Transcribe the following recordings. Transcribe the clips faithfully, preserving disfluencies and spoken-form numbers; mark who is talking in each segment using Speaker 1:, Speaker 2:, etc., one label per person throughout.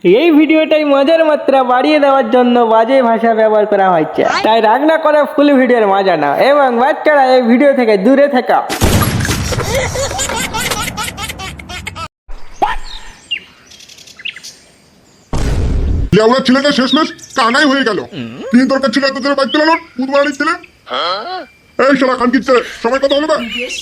Speaker 1: এই ভিডিওটাই মজার মাত্রা বাড়িয়ে দেওয়ার জন্য বাজে ভাষা ব্যবহার করা হয়েছে, তাই রাগ না করে ফুল ভিডিওর মজা নাও এবং বাচ্চারা এই ভিডিও থেকে দূরে থাকা।
Speaker 2: লেওড়া ছেলেটা শেষমেশ কানাই হয়ে গেল। কি দরকার ছিল এত জোরে বাইক চালানোর? বুধবারের ছেলে এই শালা খান কিচ্ছে সময় কথা বলবে।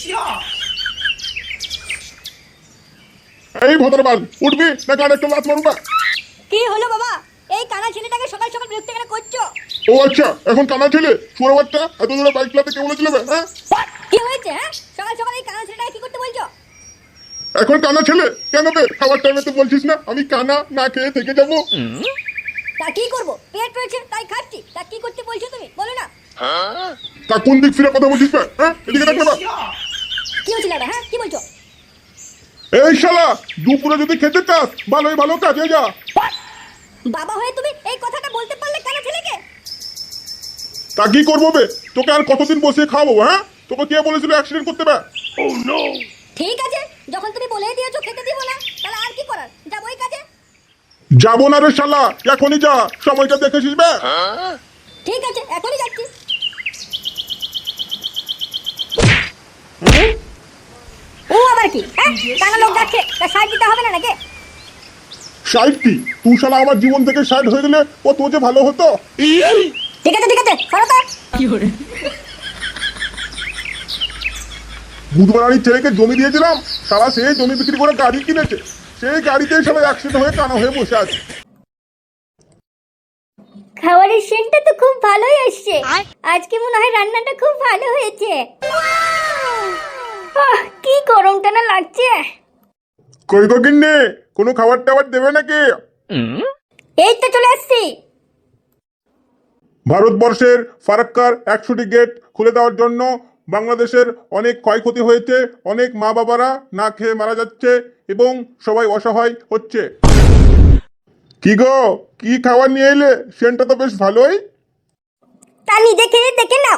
Speaker 2: এই ভদ্রবাল উঠবি না গাড়ি একটা লাত মারবা?
Speaker 3: কি হলো বাবা? এই কানা ছেলেটাকে সকাল সকাল বিরক্ত কেন করছো?
Speaker 2: ও আচ্ছা, এখন কানা ছেলে শুয়োর বাচ্চা এত জোরে বাইক চালাতে কে বলেছিল? হ্যাঁ
Speaker 3: কি হয়েছে? হ্যাঁ সকাল সকাল এই কানা ছেলেটাকে কি করতে বলছো?
Speaker 2: এখন কানা ছেলে কেন বে? খাবার টাইমে তো বলছিস না আমি কানা না খেয়ে থেকে যাবো।
Speaker 3: তা কি করবো? পেট রয়েছে তাই খাচ্ছি। তা কি করতে বলছো তুমি বলো না?
Speaker 2: তা কোন দিক ফিরে কথা বলছিস? হ্যাঁ এদিকে দেখ না।
Speaker 3: কি হয়েছিল এটা? হ্যাঁ কি বলছো?
Speaker 2: এই শালা দুপুরে যদি খেতে চাস ভালোই ভালো কাজে যা।
Speaker 3: বাবা হয়ে তুমি এই কথাটা বলতে পারলে কানা ছেলেকে?
Speaker 2: তা কি করবো বে? তোকে আর কতদিন বসে খাওয়াবো? হ্যাঁ তোকে কে বলেছিল অ্যাক্সিডেন্ট করতে বে? Oh no.
Speaker 3: ঠিক আছে, যখন তুমি বলেই দিয়েছো খেতে দিব না, তাহলে আর কি করার? যাবো এই কাজে।
Speaker 2: যাবো না রে শালা, এখনই যা, সময়টা দেখেছিস বে?
Speaker 3: ঠিক আছে এখনই যাচ্ছি। ও আবার কি? হ্যাঁ কানা লোক যাচ্ছে, তা সাইড দিতে হবে না নাকি?
Speaker 2: সাইড কি? তুই শালা আমার জীবন থেকে সাইড হয়ে গেলে ও তো যে ভালো হতো।
Speaker 3: ঠিক আছে ঠিক আছে সরো তো। কি হলো?
Speaker 2: বুধবারানির ছেলেকে জমি দিয়েছিলাম, শালা সেই জমি বিক্রি করে গাড়ি কিনেছে, সেই গাড়িতেই শালা অ্যাক্সিডেন্ট হয়ে কানা হয়ে বসে আছে।
Speaker 3: খাবারের সেন্টটা তো খুব ভালোই আসছে। আজকে মনে হয় রান্নাটা খুব ভালো হয়েছে। আহ, কি গরমটা না লাগছে।
Speaker 2: কই গো গিন্নি, কোনো খাবার টাবার দেবে নাকি?
Speaker 3: এই তো চলে আসছি।
Speaker 2: ভারতবর্ষের ফারাক্কার একশোটি গেট খুলে দেওয়ার জন্য বাংলাদেশের অনেক ক্ষয়ক্ষতি হয়েছে, অনেক মা বাবারা না খেয়ে মারা যাচ্ছে এবং সবাই অসহায় হচ্ছে। কি গো, কি খাবার নিয়ে এলে? সেন্টটা তো বেশ ভালোই।
Speaker 3: তা নিজে খেয়ে দেখে নাও।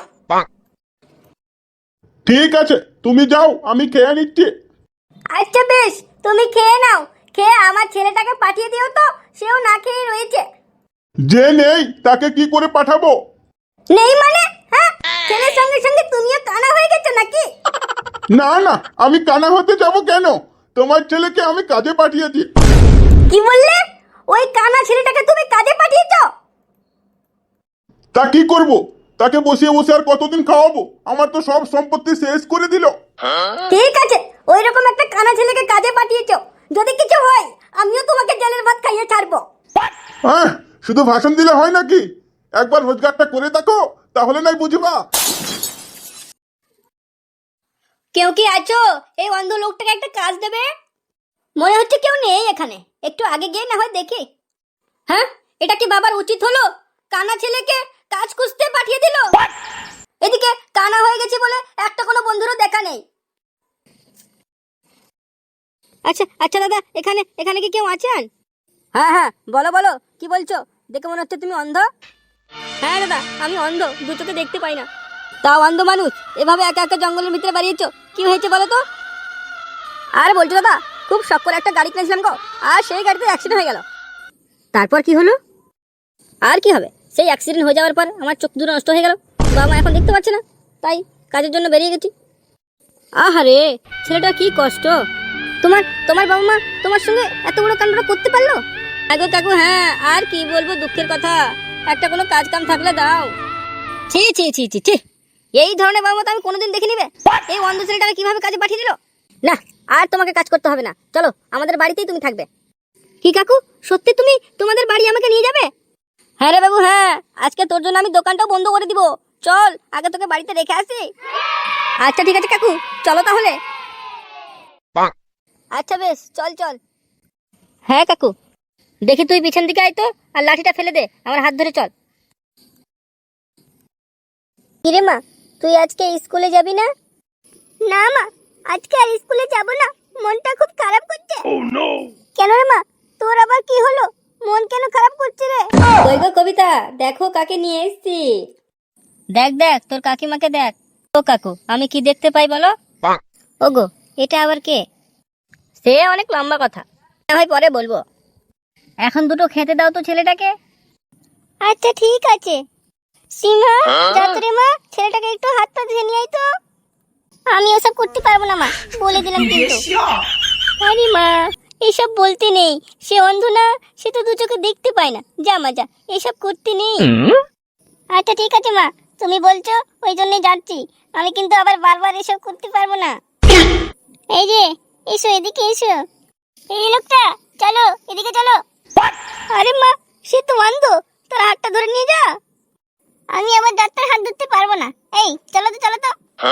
Speaker 2: ঠিক আছে তুমি যাও, আমি খেয়ে নিচ্ছি।
Speaker 3: আচ্ছা বেশ, তুমি খেয়ে নাও। খেয়ে আমার ছেলেটাকে পাঠিয়ে দিও তো, সেও না খেয়ে রয়েছে।
Speaker 2: যে নেই তাকে কি করে পাঠাবো?
Speaker 3: নেই মানে? হ্যাঁ ছেলের সঙ্গে সঙ্গে তুমিও কানা হয়ে গেছো নাকি?
Speaker 2: না না, আমি কানা হতে যাব কেন? তোমার ছেলেকে আমি কাজে পাঠিয়েছি।
Speaker 3: কি বললে? ওই কানা ছেলেটাকে তুমি কাজে পাঠিয়েছো?
Speaker 2: তা কি করব? তাকে বসিয়ে বসে আর কতদিন খাওয়াবো? আমার তো সব সম্পত্তি শেষ করে দিল।
Speaker 3: ঠিক আছে, ওই রকম একটা কানা ছেলেকে কাজে পাঠিয়েছো, যদি কিছু হয় আমিও তোমাকে জেলের ভাত খাইয়ে ছাড়বো।
Speaker 2: হ্যাঁ শুধু ভাষণ দিলে হয় নাকি? একবার রোজগারটা করে দেখো, তাহলে নাই বুঝবা।
Speaker 3: কেউ কি আছো? এই অন্ধ লোকটাকে একটা কাজ দেবে? মনে হচ্ছে কেউ নেই এখানে, একটু আগে গিয়ে না হয় দেখি। হ্যাঁ এটা কি বাবার উচিত হলো? কানা ছেলেকে কাজ খুঁজতে পাঠিয়ে দিল। এদিকে কানা হয়ে গেছি বলে একটা কোনো বন্ধুরও দেখা নেই। আচ্ছা আচ্ছা দাদা, এখানে এখানে কি কেউ আছেন? হ্যাঁ হ্যাঁ বলো বলো, কি বলছো? দেখে মনে হচ্ছে তুমি অন্ধ। হ্যাঁ দাদা আমি অন্ধ, দু চোখে দেখতে পাই না। তাও অন্ধ মানুষ এভাবে একা একা জঙ্গলের ভিতরে বাড়িয়েছো, কি হয়েছে বলো তো? আর বলছো দাদা, খুব শখ করে একটা গাড়ি কিনেছিলাম গো, আর সেই গাড়িতে অ্যাক্সিডেন্ট হয়ে গেল। তারপর কি হলো? আর কি হবে, সেই অ্যাক্সিডেন্ট হয়ে যাওয়ার পর আমার চোখ দুটো নষ্ট হয়ে গেল, বাবা মা এখন দেখতে পাচ্ছে না, তাই কাজের জন্য বেরিয়ে গেছি। আহারে ছেলেটা কি কষ্ট। তোমার তোমার বাবা মা তোমার সঙ্গে এত বড় কাণ্ডটা করতে পারলো? কাকু কাকু হ্যাঁ, আর কি বলবো, দুঃখের কথা। একটা কোনো কাজ কাম থাকলে দাও। ছি ছি ছি ছি ছি, এই ধরনের বাবা মা তো আমি কোনোদিন দেখে নিবে। এই অন্ধ ছেলেটাকে কিভাবে কাজে পাঠিয়ে দিল? না আর তোমাকে কাজ করতে হবে না, চলো আমাদের বাড়িতেই তুমি থাকবে। কি কাকু, সত্যি তুমি তোমাদের বাড়ি আমাকে নিয়ে যাবে? হ্যাঁ রে বাবু হ্যাঁ, আজকে তোর জন্য আমি দোকানটাও বন্ধ করে দিব। চল আগে তোকে বাড়িতে রেখে আসি। আচ্ছা ঠিক আছে কাকু, চলো তাহলে। আচ্ছা বেশ চল চল। হ্যাঁ কাকু, দেখি তুই পিছন দিকে আয় তো, আর লাঠিটা ফেলে দে, আমার হাত ধরে চল। কিরে মা, তুই আজকে স্কুলে যাবি না? না মা, আজকে আর স্কুলে যাব না, মনটা খুব খারাপ করছে। Oh no. কেন রে মা, তোর আবার কি হলো? মন কেন খারাপ করছে রে? কই গো কবিতা, দেখো কাকে নিয়ে এসেছি। দেখ দেখ তোর কাকিমাকে দেখ। ও কাকু, আমি কি দেখতে পাই বলো? ওগো, এটা আবার কে? সে অনেক লম্বা কথা, না হয় পরে বলবো। এখন দুটো খেতে দাও তো ছেলেটাকে। আচ্ছা ঠিক আছে। সিংহা যাত্রে মা, ছেলেটাকে একটু হাত পা ধুয়ে নিয়ে আয় তো। আমি ওসব করতে পারবো না মা, বলে দিলাম কিন্তু। আরে মা, এসব বলতে নেই, সে অন্ধ না, সে তো দু চোখে দেখতে পায় না। যা মা যা, এসব করতে নেই। আচ্ছা ঠিক আছে মা, তুমি বলছো ওই জন্যই যাচ্ছি। আমি কিন্তু আবার বারবার এসব করতে পারবো না। এই যে, এসো এদিকে এসো। এই লোকটা, চলো এদিকে চলো। আরে মা, সে তো অন্ধ, তোর হাতটা ধরে নিয়ে যা। আমি আমার ডাক্তার হাত ধরতে পারবো না। এই চলো তো চলো তো।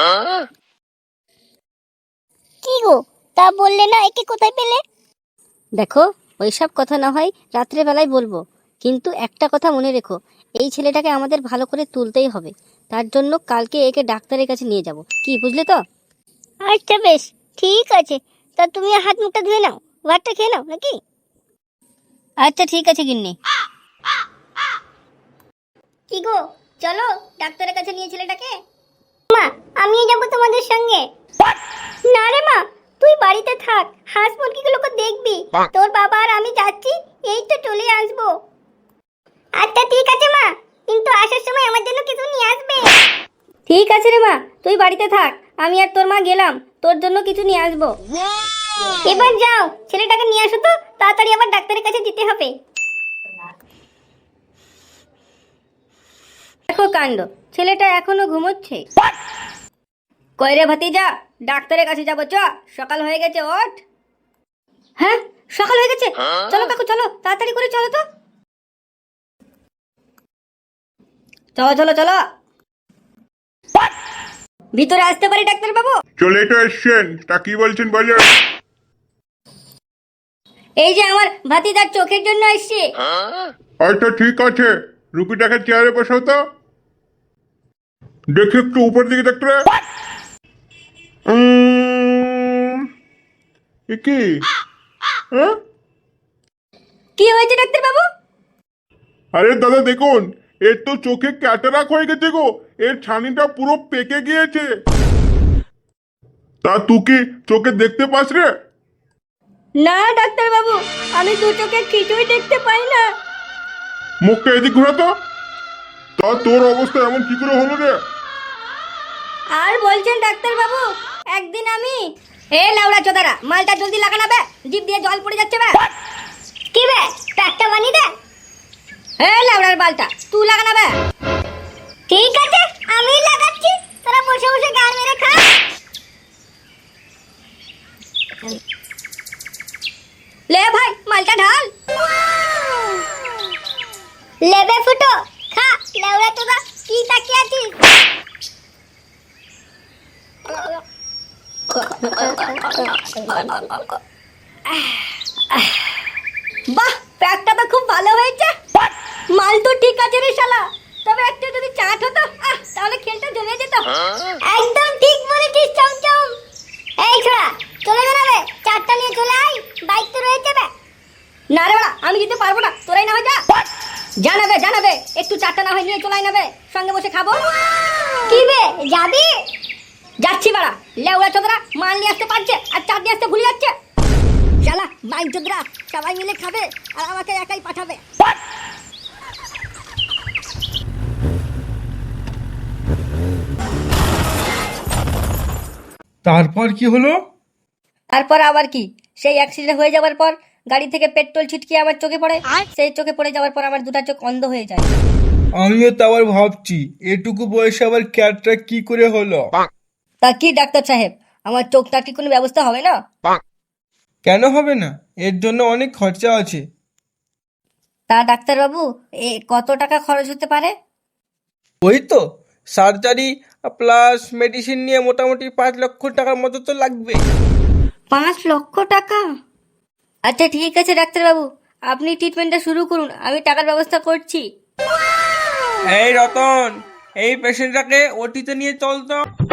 Speaker 3: কি গো, তা বললে না, একে কোথায় পেলে? দেখো, ওইসব কথা না হয় রাত্রে বেলায় বলবো, কিন্তু একটা কথা মনে রেখো, এই ছেলেটাকে আমাদের ভালো করে তুলতেই হবে। তার জন্য কালকে একে ডাক্তারের কাছে নিয়ে যাব, কি বুঝলে তো? আচ্ছা বেশ, ঠিক আছে। তা তুমি হাত মুখটা ধুয়ে নাও, ভাতটা খেয়ে নাও নাকি? আচ্ছা ঠিক আছে গিন্নি। কি গো, চলো ডাক্তারের কাছে নিয়ে ছেলেটাকে। মা, আমিও যাব তোমাদের সঙ্গে। না রে মা, তুই বাড়িতে থাক, হাঁস মুরগিগুলোকে দেখবি। তোর বাবা আর আমি যাচ্ছি, এই তো চলে আসবো। আচ্ছা ঠিক আছে মা, কিন্তু আসার সময় আমার জন্য কিছু নিয়ে আসবে। ঠিক আছে রে মা, তুই বাড়িতে থাক, আমি আর তোর মা গেলাম, তোর জন্য কিছু নিয়ে আসবো। এবার যাও, ছেলেটাকে নিয়ে আসো তো, তাড়াতাড়ি আবার ডাক্তারের কাছে যেতে হবে। দেখো কাণ্ড, ছেলেটা এখনো ঘুমোচ্ছে। কইরে ভাতিজা, ডাক্তারের কাছে যাবো, চ, সকাল হয়ে গেছে, ওঠ। হ্যাঁ, সকাল হয়ে গেছে, চলো কাকু চলো, তাড়াতাড়ি করে চলো তো। চলো চলো চলো, ভিতরে আসতে পারি ডাক্তার বাবু?
Speaker 2: চলে তো এসছেন, তা কি বলছেন বলেন।
Speaker 3: এই যে আমার ভাতিজার চোখের জন্য এসছি।
Speaker 2: আচ্ছা ঠিক আছে, রুগীটাকে চেয়ারে বসাও তো। দেখি একটু উপর দিকে দেখতে। উম, এ কি? হ্যাঁ?
Speaker 3: কি হয়েছে ডাক্তার বাবু?
Speaker 2: আরে দাদা দেখুন, এর তো চোখে ক্যাটারাক হয়ে গেছে গো, এর ছানিটা পুরো পেকে গিয়েছে। তা তুই কি চোখে দেখতে পাস রে?
Speaker 3: না ডাক্তার বাবু, আমি দু চোখে কিছুই দেখতে পাই না।
Speaker 2: মুখটা এদিক ঘোরাতো। তা তোর অবস্থা এমন কি করে হলো রে?
Speaker 3: আর বলছেন ডাক্তার বাবু, একদিন আমি এ লাউড়া চোদারা, মালটা জলদি লাগানা বে, জিভ দিয়ে জল পড়ে যাচ্ছে বে। কি বে, প্যাকটা বানিয়ে দে। এ লাউড়ার বালটা, তুই লাগানা বে। ঠিক আছে, আমি লাগাচ্ছি, তোরা বসে বসে গান মেরে খা। লে ভাই, মালটা ঢাল। লেবে ফুটো, খা লাউড়া চোদা, কি তাকিয়ে আছিস? বাহ, প্যাকটা তো খুব ভালো হয়েছে। মাল তো ঠিক আছে রে শালা, তবে একটু যদি চাট হতো, আহ, তাহলে খেলটা জমে যেত। একদম ঠিক বলেছিস চমচম। এই ছোড়া, চলে বেরাবে, চাটটা নিয়ে চলে আয়, বাইক তো রয়েছে বে। না রে বাড়া, আমি যেতে পারবো না, তোরাই না হয় যা। জানাবে জানাবে, একটু চাটটা না হয় নিয়ে চলে আয় নেবে, সঙ্গে বসে খাবো। কি বে, যাবি? যাচ্ছি বাড়া, লেউড়া চোদরা মাল নিয়ে আসতে পারছে আর চাট নিয়ে আসতে ভুলে যাচ্ছে। শালা বাইক চোদরা সবাই মিলে খাবে আর আমাকে একাই পাঠাবে।
Speaker 4: তারপর কি হলো?
Speaker 3: তারপর আবার কি, সেই অ্যাক্সিডেন্ট হয়ে যাওয়ার পর গাড়ি থেকে পেট্রোল ছিটকে আমার চোখে পড়ে, সেই চোখে পড়ে যাওয়ার পর আমার দুটা চোখ অন্ধ হয়ে যায়।
Speaker 4: আমিও তো আবার ভাবছি এটুকু বয়সে আবার ক্যাটটা কি করে হলো।
Speaker 3: তা কি ডাক্তার সাহেব, আমার চোখটা কি কোনো ব্যবস্থা হবে না?
Speaker 4: কেন হবে না, এর জন্য অনেক খরচা আছে।
Speaker 3: তা ডাক্তার বাবু, এ কত টাকা খরচ হতে পারে?
Speaker 4: ওই তো সার্জারি প্লাস মেডিসিন নিয়ে মোটামুটি পাঁচ লক্ষ টাকার মতো তো লাগবে।
Speaker 3: পাঁচ লক্ষ টাকা? আচ্ছা ঠিক আছে ডাক্তার বাবু, আপনি ট্রিটমেন্টটা শুরু করুন, আমি টাকার ব্যবস্থা করছি।
Speaker 4: এই রতন, এই পেশেন্টটাকে ওটিতে নিয়ে চল তো।